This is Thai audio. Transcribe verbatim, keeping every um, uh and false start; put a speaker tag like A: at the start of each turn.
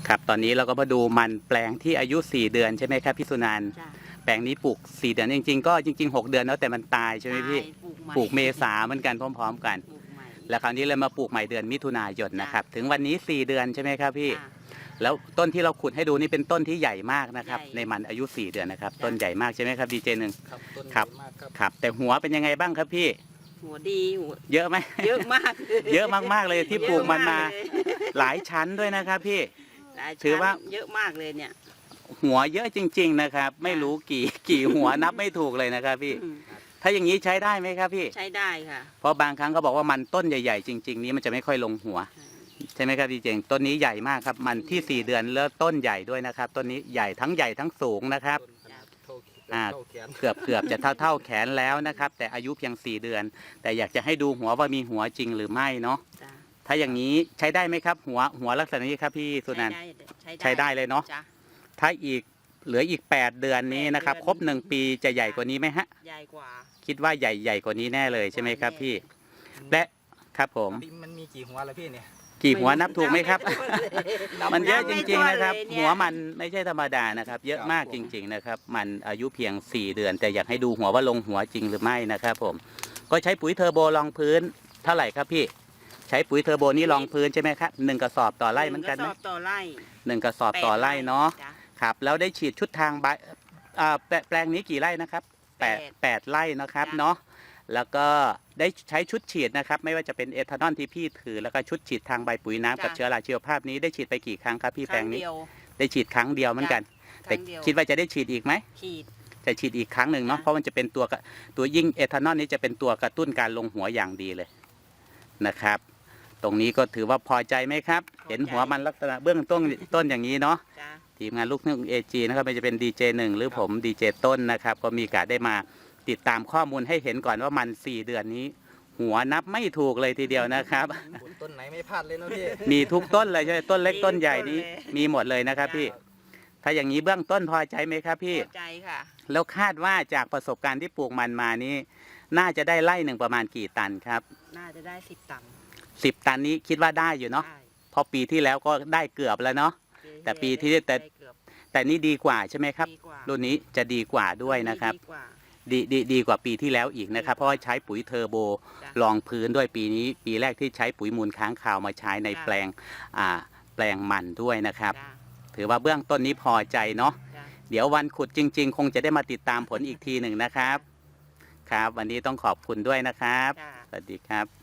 A: ครับตอนนี้เราก็มาดูมันแปลงที่อายุสี่เดือนใช่ไหมครับพี่สุนันท์แปลงนี้ปลูกสี่เดือนจริงๆก็จริงๆหกเดือนแล้วแต่มันตายใช่ไหมพี่ปลูกเมษาเหมือนกันพร้อมๆกันแล้วคราวนี้เลยมาปลูกใหม่เดือนมิถุนายนนะครับถึงวันนี้สี่เดือนใช่ไหมครับพี่แล้วต้นที่เราขุดให้ดูนี่เป็นต้นที่ใหญ่มากนะครับในมันอายุสี่เดือนนะครับต้นใหญ่มากใช่ไหมครับดีเจหนึ่ง
B: ครับต้นให
A: ครั
B: ญ่
A: บ
B: มากครับ
A: ครับแต่หัวเป็นยังไงบ้างครับพี่
C: หัวดีหัว
A: เยอะไหม
C: เยอะมาก
A: เยอะมากๆเลยที่ปลูกมันมา
C: เยอะกเลย
A: หลายชั้นด้วยนะครับพี่
C: หลยชั้น
A: ถือว่า
C: เยอะมากเลยเนี่ย
A: หัวเยอะจริง ๆนะครับ ไม่รู้กี่กี่หัวนับไม่ถูกเลยนะครับพี่
C: อืม
A: ถ้าอย่างนี้ใช้ได้ไหมครับพี่
C: ใช้ได้ค่ะ
A: เพราะบางครั้งเขาบอกว่ามันต้นใหญ่ ๆ จริง ๆ นี้มันจะไม่ค่อยลงหัว ใช่ไหมครับพี่เจงต้นนี้ใหญ่มากครับมันที่สี่เดือนแล้วต้นใหญ่ด้วยนะครับต้นนี้ใหญ่ทั้งใหญ่ทั้งสูงนะครับ
B: ต้นขนาดเท่า
A: อ่า
B: เท่าแขน
A: เกือบเกือบจะเท่าเท่าแขนแล้วนะครับแต่อายุเพียงสี่เดือน แต่อยากจะให้ดูหัวว่ามีหัวจริงหรือไม่เนาะ
C: จ้ะ
A: ถ้าอย่างนี้ใช้ได้ไหมครับ หัวหัวลักษณะนี้ครับพี่สุนันท์
C: ใช้
A: ใช้ได้เลยเนาะ
C: จ้ะ
A: ถ้าอีกเหลืออีกแปดเดือนนี้นะครับ
C: แปดเดือน
A: ครบหนึ่งปีจะใหญ่กว่านี้ไหมฮะ
C: ใหญ่กว่า
A: คิดว่าใหญ่ใหญ่กว่านี้แน่เลยใช่ไหมครับพี่และครับผม
B: มันมีกี่หัวแล้วพี่เนี่ย
A: กี่หัวนับถูกไหมครับ
B: นับ
A: มันเยอะ
C: นั
A: จ
C: บไม่
A: ริง
C: ถ้วน
A: ๆนะครับ
C: เลยเนี่ย
A: หัวมันไม่ใช่ธรรมดานะครับ เยอะ
B: ครับ
A: มากจริง ๆนะครับ มันอายุเพียงสี่เดือน แต่อยากให้ดูหัวว่าลงหัวจริงหรือไม่นะครับผมก็ใช้ปุ๋ยเทอร์โบรองพื้นเท่าไหร่ครับพี่ใช้ปุ๋ยเทอร์โบนี่รองพื้นใช่ไหมครับหนึ่งกระสอบต่อไร่เหมือนกันไหม
C: งระสอบต่อไร่
A: หนึ่งกระสอบต่อไร่เนาะ
C: จ้
A: ครับแล้วได้ฉีดชุดทางใบอ่าแปลแปลงนี้กี่ไร่นะครับแปด
C: แปด
A: แปดไร่นะครับ
C: จ้ะ
A: เนาะแล้วก็ได้ใช้ชุดฉีดนะครับไม่ว่าจะเป็นเอทานอลที่พี่ถือแล้วก็ชุดฉีดทางใบปุ๋ยน้ำกับ
C: จ้ะ
A: เชื้อราชีวภาพนี้ได้ฉีดไปกี่ครั้งครับพี่
C: ค
A: แปล
C: รั้
A: ง
C: ง
A: นี้
C: เดียว
A: ได้ฉีดครั้งเดียวเหมือนกัน แต่
C: ครั้งเดียว
A: คิดว่าจะได้ฉีดอีกไหม
C: ขีด
A: จะฉีดอีกครั้งหนึ่งเนาะ
C: จ้ะ
A: เพราะมันจะเป็นตัวกระตัวยิ่งเอทานอลนี้จะเป็นตัวกระตุ้นการลงหัวอย่างดีเลยนะครับ ตรงนี้ก็ถือว่าพอใจไหมครับ เห็นหัวมันลักษณะเบื้องต้นต้นอย่างนี้เนาะ
C: จ้ะ
A: ทีมงานลูกทุ่งเอจีนะครับไม่ว่าจะเป็นดีเจหนึ่งหรือผมดีเจต้นนะครับ ก็มีโอกาสได้มาติดตามข้อมูลให้เห็นก่อนว่ามันสี่เดือนนี้ หัวนับไม่ถูกเลยทีเดียวนะครับ
B: ต้นไหนไม่พลาดเลยนะพี่
A: มีทุกต้นเลยใช่ไหมต้นเล็กต้นใหญ่นี้มีหมดเลยนะครับพี่ ถ้าอย่างนี้เบื้องต้นพอใจไหมครับพี่
C: พอใจค่ะ
A: แล้วคาดว่าจากประสบการณ์ที่ปลูกมันมานี้ น่าจะได้ไร่หนึ่งประมาณกี่ตันครับ
C: น่าจะได้สิบตังค์
A: สิบตันนี้คิดว่าได้อยู่เนาะ
C: ได้
A: เพอปีที่แล้วก็ได้เกือบแล้วเนาะ แต่ปีที่แต่
C: ได้เกือบ
A: แต่นี่ดีกว่าใช่ไหมครับ
C: ดีกว่า
A: รุ่นนี้จะดีกว่าด้วยนะครับ
C: ดีกว่า
A: ดีดีดีกว่าปีที่แล้วอีกนะครับ เพราะว่าใช้ปุ๋ยเทอร์โบ
C: จ้ะ
A: รองพื้นด้วยปีนี้ ปีแรกที่ใช้ปุ๋ยมูลค้างคาวมาใช้ใน
C: จ้ะ
A: แปลงอ่าแปลงมันด้วยนะครับ
C: จ้ะ
A: ถือว่าเบื้องต้นนี้พอใจเนาะ
C: จ้ะ
A: เดี๋ยววันขุดจริง ๆ คงจะได้มาติดตามผลอีกทีหนึ่งนะครับ ครับ วันนี้ต้องขอบคุณด้วยนะครับ
C: จ้ะ
A: สวัสดีครับ